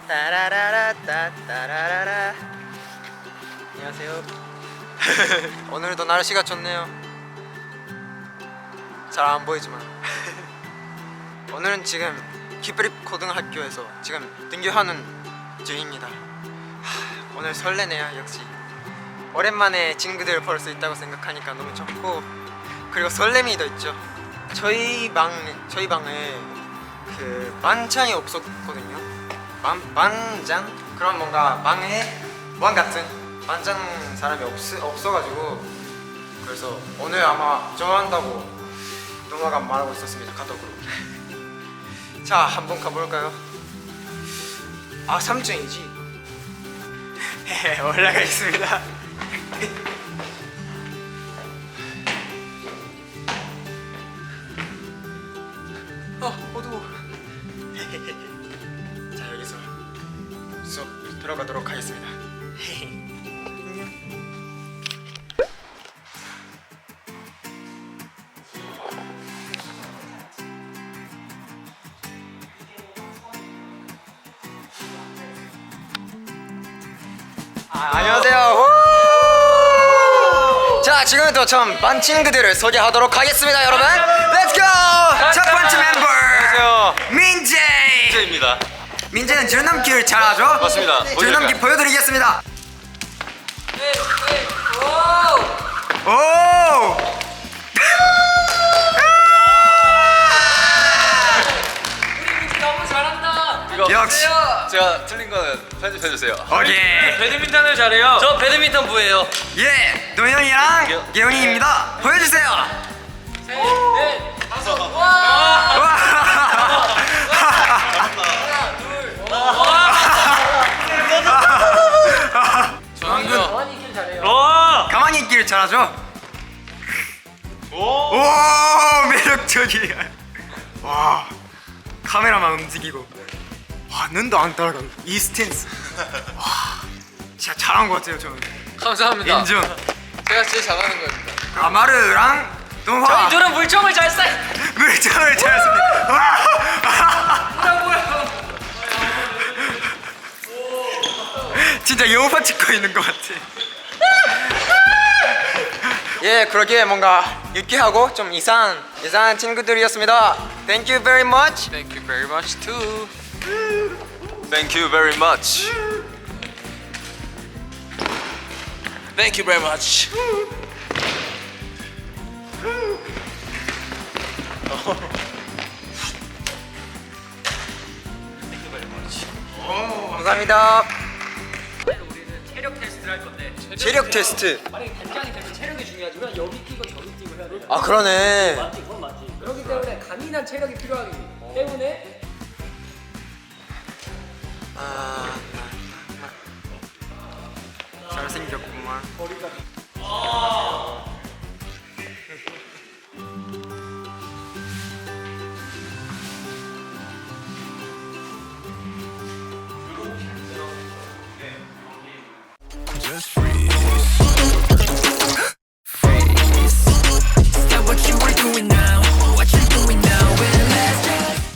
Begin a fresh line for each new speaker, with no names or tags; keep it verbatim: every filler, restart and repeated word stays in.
따라라라 따따라라라. 안녕하세요. 오늘도 날씨가 좋네요. 잘 안 보이지만 오늘은 지금 기프립 고등학교에서 지금 등교하는 중입니다. 하, 오늘 설레네요. 역시 오랜만에 친구들 볼 수 있다고 생각하니까 너무 좋고, 그리고 설렘이 더 있죠. 저희 방 저희 방에 그 반찬이 없었거든요. 반 반찬 그런 뭔가 방에 무한 같은 반찬 사람이 없 없어가지고, 그래서 오늘 아마 좋아한다고 누나가 말하고 있었습니다, 카톡으로. 자, 한번 가볼까요? 아, 삼 층이지. 올라가 있습니다. 어, 어두워. 자, 여기서 수업 들어가도록 하겠습니다. 안녕. 아, 안녕하세요. 자, 지금부터 전 반 친구들을 소개하도록 하겠습니다, 여러분. Let's go. 첫 번째 멤버.
안녕하세요.
민재.
민재입니다.
민재는 줄넘기를 잘하죠?
맞습니다.
줄넘기 보여드리겠습니다.
네, 네. 오!
오!
우리 민지 너무 잘한다.
이거
역시.
제가 틀린 거는 편집해 주세요.
오케이.
배드민턴을 잘해요. 저 배드민턴 부예요.
예, 노현이랑 예원이입니다. 보여주세요.
셋, 넷, 다섯. 와!
와!
하나, 둘. 와!
조한군
가만히 있길 잘해요.
가만히 있기를 잘하죠?
오!
오, 매력적이야. 와, 카메라만 움직이고, 와, 눈도 안 따라간다. 이 스탠스. 와, 진짜 잘한 것 같아요, 저는.
감사합니다.
인정.
제가 제일 잘하는 겁니다.
아마르랑 동화.
저희 둘은 물총을 잘 쏴.
물총을 잘 씁니다. 와!
뭐라고요?
진짜 영화 찍고 있는 것 같아. 예, 그러기에 뭔가 유쾌하고 좀 이상한 이상한 친구들이었습니다. Thank you very much.
Thank you very much too.
Thank you very much.
Thank you very much.
감사합니다.
우리는 체력 테스트를 할 건데.
체력 테스트.
만약에 단장이 되면 체력이 중요하지만 여기 끼고 저기 끼고 해야 돼.
아, 그러네.
맞지, 그건 맞지. 그렇기 때문에 강인한 체력이 필요하기 때문에
아, 잘생겼구만.
머리가.